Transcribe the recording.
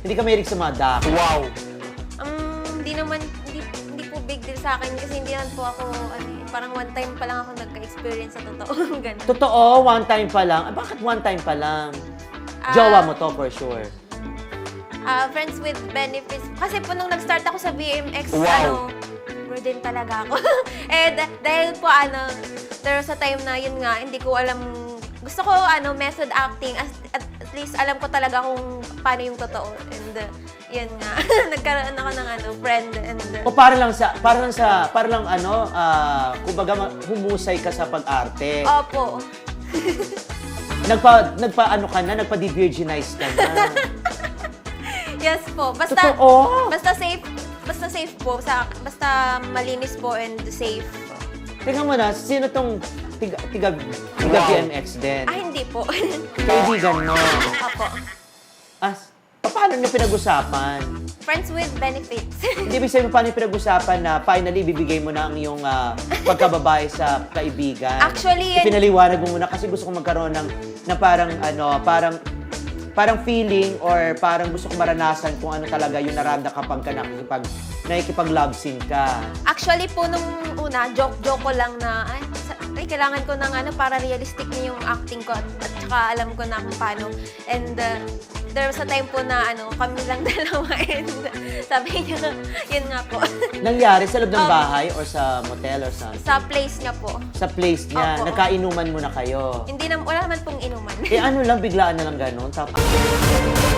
Hindi ka mahilig sa mga duck. Wow! Hindi naman, hindi po big deal sa akin kasi hindi naman po ako, parang one time pa lang ako nagka-experience sa totoo. Ganun. Totoo, one time pa lang. Bakit one time pa lang? Jowa mo to for sure. Friends with benefits. Kasi po nung nag-start ako sa BMX, Wow. burden talaga ako. Dahil po pero sa time na yun nga, hindi ko alam, gusto ko method acting, at least alam ko talaga kung paano yung totoo. And yun nga, nagkaroon ako ng friend. And O para lang kumbaga humusay ka sa pag-arte. opo. Nagpa-de-virginize ka na. Yes po. Totoo? Basta safe po. Basta malinis po and safe. Tingnan mo na, sino tong tiga BMX din? Hindi po. Kaibigan mo. Opo. Paano niyo pinag-usapan? Friends with benefits. Hindi ibig sabihin paano niyo pinag-usapan na finally bibigay mo na ang iyong pagkababae sa kaibigan? Actually, Pinaliwanag mo muna kasi gusto kong magkaroon ng parang feeling or parang gusto kong maranasan kung ano talaga yung naranda kapag ka nakikipag-love scene ka. Actually po, nung una, joke ko lang na, kailangan ko ng para realistic na yung acting ko at saka alam ko na kung paano. And there was a time po na kami lang dalawa and sabi niya, yun nga po. Nangyari sa loob ng bahay or sa motel or sa... Sa place niya po. Sa place niya, Opo. Nagkainuman muna kayo. Wala naman pong inuman. Ano lang, biglaan na lang ganun. Tapos...